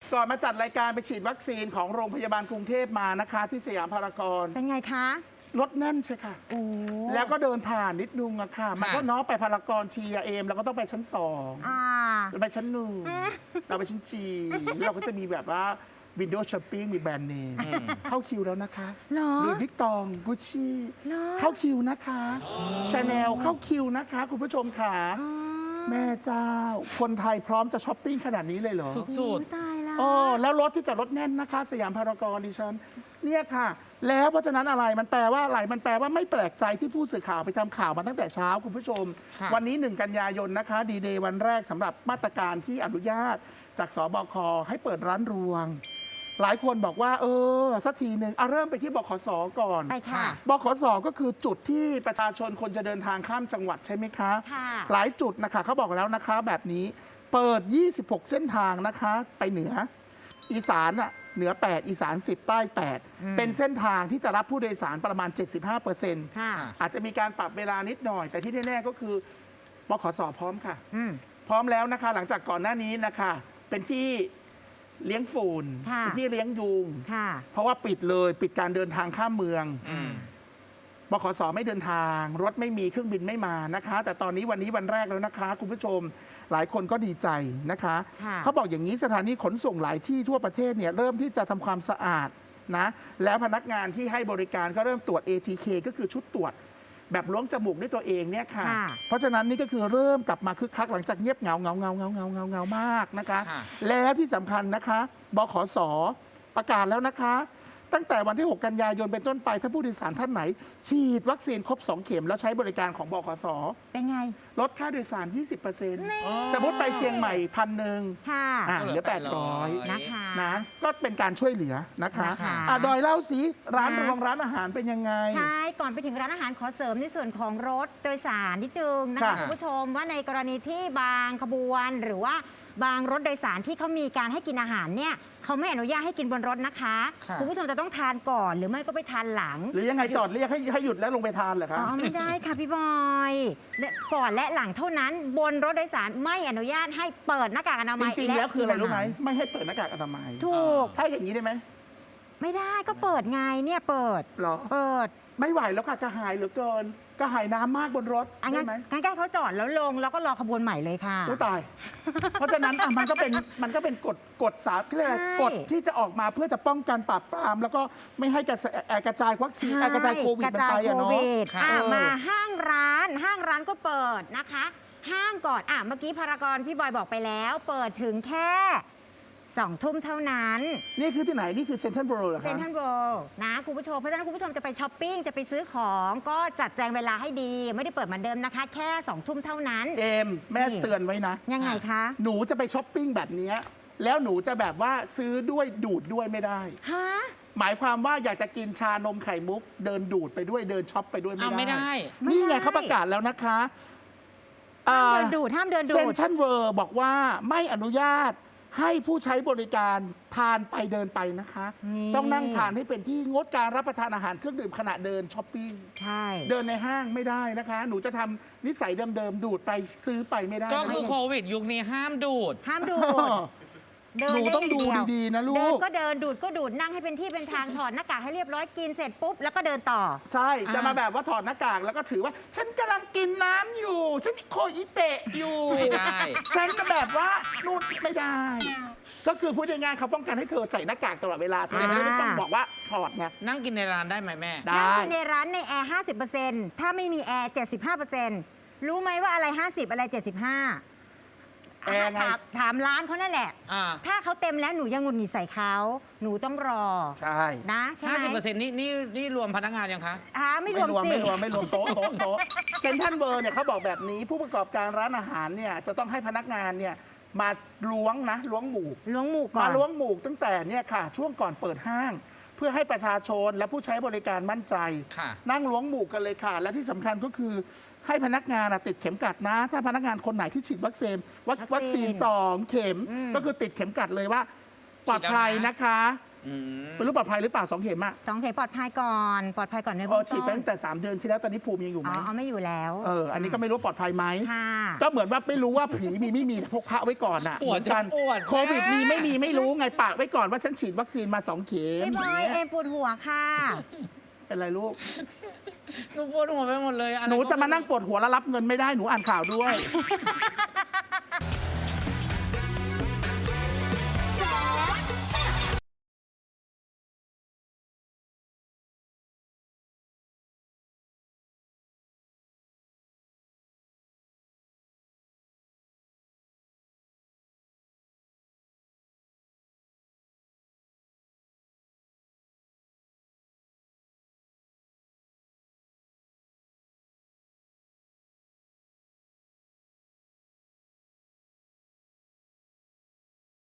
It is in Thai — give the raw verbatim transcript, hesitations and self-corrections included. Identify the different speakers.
Speaker 1: ก่อนมาจัดรายการไปฉีดวัคซีนของโรงพยาบาลกรุงเทพมานะคะที่สยามพารากอน
Speaker 2: เป็นไงคะ
Speaker 1: รถแน่นใช่ค่ะ
Speaker 2: โอ้
Speaker 1: แล้วก็เดินผ่านนิดนึงอะค่ะมันก็น้องไปพารากอนทีเอ็มเราก็ต้องไปชั้นสองเราไปชั้นหนึ่งเราไปชั้นจีเราก็จะมีแบบว่าวินโดว์ช้อปปิ้งมีแบรนด์เนมเข้าคิวแล้วนะคะหรือวิกตองกุชชี่เข้าคิวนะคะชาแนลเข้าคิวนะคะคุณผู้ชมค่ะแม่เจ้าคนไทยพร้อมจะช้อปปิ้งขนาดนี้เลยเหรอ
Speaker 3: สุด
Speaker 2: ๆตายแล้ว
Speaker 1: โอ้แล้วรถที่จอดรถแน่นนะคะสยามพารากอนดิฉันเนี่ยค่ะแล้วเพราะฉะนั้นอะไรมันแปลว่าอะไรมันแปลว่าไม่แปลกใจที่ผู้สื่อข่าวไปทำข่าวมาตั้งแต่เช้าคุณผู้ชมวันนี้หนึ่งกันยายนนะคะดีเดย์วันแรกสำหรับมาตรการที่อนุญาตจากสบคให้เปิดร้านรวงหลายคนบอกว่าเออสักทีหนึ่งเอาเริ่มไปที่บขสก่อน
Speaker 2: ไปค่ะ
Speaker 1: บขสก็คือจุดที่ประชาชนคนจะเดินทางข้ามจังหวัดใช่ไหมคะ
Speaker 2: ค่ะ
Speaker 1: หลายจุดนะคะเขาบอกแล้วนะคะแบบนี้เปิดยี่สิบหกเส้นทางนะคะไปเหนืออีสานอ่ะเหนือแปดอีสานสิบใต้แปดเป็นเส้นทางที่จะรับผู้โดยสารประมาณ เจ็ดสิบห้าเปอร์เซ็นต์
Speaker 2: ค่ะ
Speaker 1: อาจจะมีการปรับเวลานิดหน่อยแต่ที่แน่ๆก็คือบขสพร้อมค่ะ
Speaker 2: อืม
Speaker 1: พร้อมแล้วนะคะหลังจากก่อนหน้านี้นะคะเป็นที่เลี้ยงฝุ่นเป็นที่เลี้ยงยุงเพราะว่าปิดเลยปิดการเดินทางข้ามเมืองบขสไม่เดินทางรถไม่มีเครื่องบินไม่มานะคะแต่ตอนนี้วันนี้วันแรกแล้วนะคะคุณผู้ชมหลายคนก็ดีใจนะคะเขาบอกอย่างนี้สถานีขนส่งหลายที่ทั่วประเทศเนี่ยเริ่มที่จะทำความสะอาดนะแล้วพนักงานที่ให้บริการก็เริ่มตรวจ เอ ที เค ก็คือชุดตรวจแบบล้วงจมูกด้วยตัวเองเนี่ยค่ะเพราะฉะนั้นนี่ก็คือเริ่มกลับมาคึกคักหลังจากเงียบเหงาเงาเงาเงาเงาเงาเงามากนะคะแล้วที่สำคัญนะคะบขสประกาศแล้วนะคะตั้งแต่วันที่หกกันยายนเป็นต้นไปถ้าผู้โดยสารท่านไหนฉีดวัคซีนครบสองเข็มแล้วใช้บริการของบขส
Speaker 2: เป็นไง
Speaker 1: ลดค่าโดยสาร ยี่สิบเปอร์เซ็นต์ สมมติไปเชียงใหม่พันหนึ่งเหลือแปดร้อย
Speaker 2: นะคะ
Speaker 1: นะก็เป็นการช่วยเหลือนะคะอ่ะดอยเล่าสิร้านรวงร้านอาหารเป็นยังไง
Speaker 2: ใช่ก่อนไปถึงร้านอาหารขอเสริมในส่วนของรถโดยสารนิดนึงนะคะคุณผู้ชมว่าในกรณีที่บางขบวนหรือว่าบางรถโดยสารที่เขามีการให้กินอาหารเนี่ยเขาไม่อนุญาตให้กินบนรถนะคะคุณผู้ชมจะต้องทานก่อนหรือไม่ก็ไปทานหลัง
Speaker 1: หรือยังไงจอดเรียกให้ให้หยุดแล้วลงไปทานเหรอคะ
Speaker 2: อ๋อไม่ได้ค่ะพี่บอยก่อนและหลังเท่านั้นบนรถโดยสารไม่อนุญาตให้เปิดหน้ากากอนามัย
Speaker 1: จริงๆแล้วคืออะไรรู้ไหมไม่ให้เปิดหน้ากากอนามัย
Speaker 2: ถูก
Speaker 1: ถ้าอย่างนี้ได้ไหม
Speaker 2: ไม่ได้ก็เปิดไงเนี่ยเปิด
Speaker 1: หรอ
Speaker 2: เปิด
Speaker 1: ไม่ไหวแล้วค่ะกระหายเหลือเกินกระหายน้ำมากบนรถได้ไหม
Speaker 2: งั้นก็เขาจอดแล้วลงแล้วก็รอขบวนใหม่เลยค่ะ
Speaker 1: อู้ตายเพราะฉะนั้นมันก็เป็นมันก็เป็นกฎกฎสาธารณกฎที่จะออกมาเพื่อจะป้องกันปราบปรามแล้วก็ไม่ให้กระกระจายวัคซีนกระจายโควิดมันไปอะเนาะ
Speaker 2: มาห้างร้านห้างร้านก็เปิดนะคะห้างก่อนอ่ะเมื่อกี้พารากอนพี่บอยบอกไปแล้วเปิดถึงแค่สองทุ่มเท่านั้น
Speaker 1: นี่คือที่ไหนนี่คือเซ็นทรัลเวิลด์เหรอคะ
Speaker 2: เซ็นทรัลเวิลด์นะคุณผู้ชมเพราะฉะนั้นคุณผู้ชมจะไปช้อปปิ้งจะไปซื้อของก็จัดแจงเวลาให้ดีไม่ได้เปิดเหมือนเดิมนะคะแค่สองทุ่มเท่านั้น
Speaker 1: เอมแม่เตือนไว้นะ
Speaker 2: ยังไงคะ
Speaker 1: หนูจะไปช้อปปิ้งแบบนี้แล้วหนูจะแบบว่าซื้อด้วยดูดด้วยไม่ได้
Speaker 2: ฮะ
Speaker 1: หมายความว่าอยากจะกินชานมไข่มุกเดินดูดไปด้วยเดินช็อปไปด้วยไม่
Speaker 3: ได้
Speaker 1: นี่ไงเขาประกาศแล้วนะคะ
Speaker 2: ห้ามเดินดูดห้ามเดินดูด
Speaker 1: เซ็นทรัลเวิลด์บอกว่าไม่อนุญาตให้ผู้ใช้บริการทานไปเดินไปนะคะต้องนั่งทานให้เป็นที่งดการรับประทานอาหารเครื่องดื่มขณะเดินช้อปปิ้ง
Speaker 2: ใช่
Speaker 1: เดินในห้างไม่ได้นะคะหนูจะทำนิสัยเดิมๆดูดไปซื้อไปไม่ได้
Speaker 3: ก็คือโควิดยุคนี้ห้ามดูด
Speaker 2: ห้ามดูด
Speaker 1: หนูต้องดูดีๆนะลูก
Speaker 2: เดินก็เดินดูดก็ดูดนั่งให้เป็นที่เป็นทางถอดหน้ากากให้เรียบร้อยกินเสร็จปุ๊บแล้วก็เดินต่อ
Speaker 1: ใช่จะมาแบบว่าถอดหน้ากากแล้วก็ถือว่าฉันกำลังกินน้ำอยู่ฉันโคอิเตะอยู่
Speaker 3: ไม่ได้
Speaker 1: ฉันก็แบบว่านู่นไม่ได้ก็คือพูดง่ายๆเขาป้องกันให้เธอใส่หน้ากากตลอดเวลาเธอไม่ต้องบอกว่าถอดไง
Speaker 3: นั่งกินในร้านได้ไหมแม่
Speaker 2: นั่งกินในร้านในแอร์ห้าสิบเปอร์เซ็นต์ถ้าไม่มีแอร์เจ็ดสิบห้าเปอร์เซ็นต์รู้ไหมว่าอะไรห้าสิบอะไรเจ็ดสิบห้า
Speaker 1: แอร์ไง
Speaker 2: ถามร้านเขานั่นแหละถ้าเขาเต็มแล้วหนูยังหงุดหงิดใส่เขาหนูต้องรอ
Speaker 1: ใช่
Speaker 2: นะใช่ไหม
Speaker 3: ห้าสิบเปอร์เซ็นต์นี่นี่นี่รวมพนักงานยังคะ
Speaker 2: อ่าไม่รวมสิ
Speaker 1: ไม่รวมไม่รวมโต๊ะโต๊ะโต๊ะเซ็นทรัลเวิลด์เนี่ยเขาบอกแบบนี้ผู้ประกอบการร้านอาหารเนี่ยจะต้องให้พนักงานเนี่ยมาล้วงนะล้วงหมู
Speaker 2: ล้วงหมูก่อน
Speaker 1: มาล้วงหมูตั้งแต่เนี่ยค่ะช่วงก่อนเปิดห้างเพื่อให้ประชาชนและผู้ใช้บริการมั่นใจนั่งล้วงหมูกันเลยค่ะและที่สำคัญก็คือให้พนักงานติดเข็มกัดนะถ้าพนักงานคนไหนที่ฉีดวัคซีนวัคซีนสองเข็มก็คือติดเข็มกัดเลยว่าปลอดภัยนะคะ
Speaker 3: อืม
Speaker 1: ไม่รู้ปลอดภัยหรือเปล่าสองเข็มอะ
Speaker 2: สองเข็มปลอดภัยก่อนปลอดภัยก่อนใน
Speaker 1: เอ
Speaker 2: เบื้
Speaker 1: อ
Speaker 2: อง
Speaker 1: ฉีด
Speaker 2: ต้
Speaker 1: ไป
Speaker 2: น
Speaker 1: ตั้งแต่สามเดือนที่แล้วตอนนี้ภูมิยังอยู่ไหม
Speaker 2: อ๋อเอาไม่อยู่แล้ว
Speaker 1: เอออันนี้ก็ไม่รู้ปลอดภัยไหม
Speaker 2: ค่ะ
Speaker 1: ก็เหมือนว่าไม่รู้ว่าผีมีไม่มีพกพระไว้ก่อนอะ
Speaker 3: ปวด
Speaker 1: เหมือนกัน
Speaker 3: จะปวด
Speaker 1: โควิด
Speaker 3: แม่
Speaker 1: มีไม่มีไม่รู้ไงปากไว้ก่อนว่าฉันฉีดวัคซีนมาสองเข็ม
Speaker 2: พี่บอยเอ็มปวดหัวค่ะ
Speaker 1: เป็นไรลูก
Speaker 3: หนูปวดหัวไปหมดเลยอไร
Speaker 1: หนู
Speaker 3: ก็
Speaker 1: จะมานั่งปวดหัวแล้วรับเงินไม่ได้หนูอ่านข่าวด้วย